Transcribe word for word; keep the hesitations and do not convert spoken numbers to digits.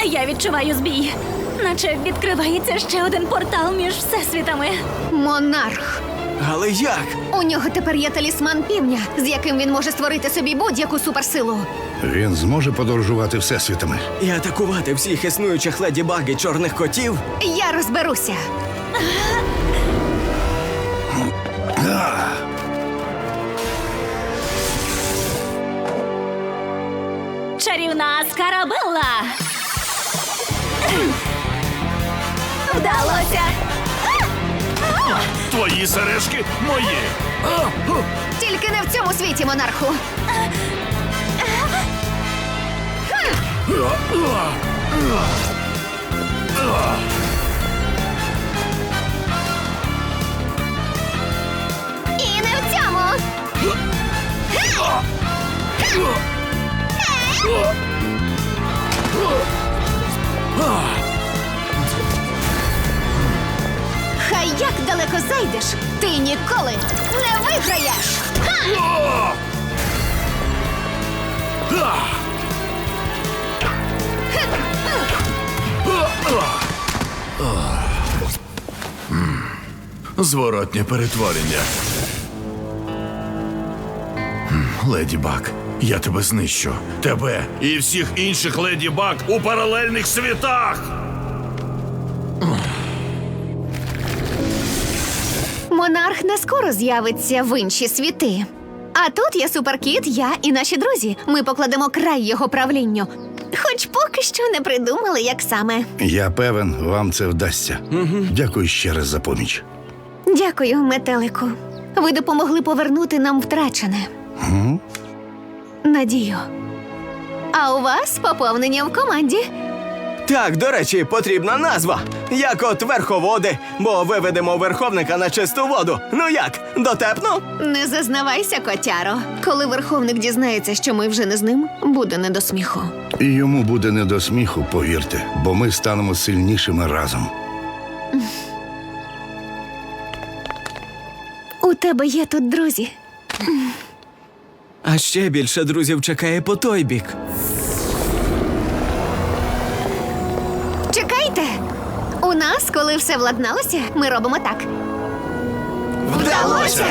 Я відчуваю збій. Наче відкривається ще один портал між всесвітами. Монарх. Але як? У нього тепер є талісман півня, з яким він може створити собі будь-яку суперсилу. Він зможе подорожувати всесвітами. І атакувати всіх існуючих леді баг і чорних котів? Я розберуся. Чарівна Скарабелла! Вдалося! Твої сережки мої. Тільки не в цьому світі, монарху. І не в цьому. Хай як далеко зайдеш, ти ніколи не виграєш. Ха! Зворотнє перетворення. М, Леді Баг, я тебе знищу. Тебе і всіх інших Леді Баг у паралельних світах. Монарх не скоро з'явиться в інші світи. А тут є суперкіт, я і наші друзі. Ми покладемо край його правлінню. Хоч поки що не придумали, як саме. Я певен, вам це вдасться. Дякую ще раз за поміч. Дякую, метелику. Ви допомогли повернути нам втрачене. М? Надію. А у вас поповнення в команді. Так, до речі, потрібна назва. Як от верховоди, бо виведемо верховника на чисту воду. Ну як, дотепно? Не зазнавайся, котяро. Коли верховник дізнається, що ми вже не з ним, буде не до сміху. І йому буде не до сміху, повірте, бо ми станемо сильнішими разом. У тебе є тут друзі. А ще більше друзів чекає по той бік. Чекайте! У нас, коли все владналося, ми робимо так. Вдалося!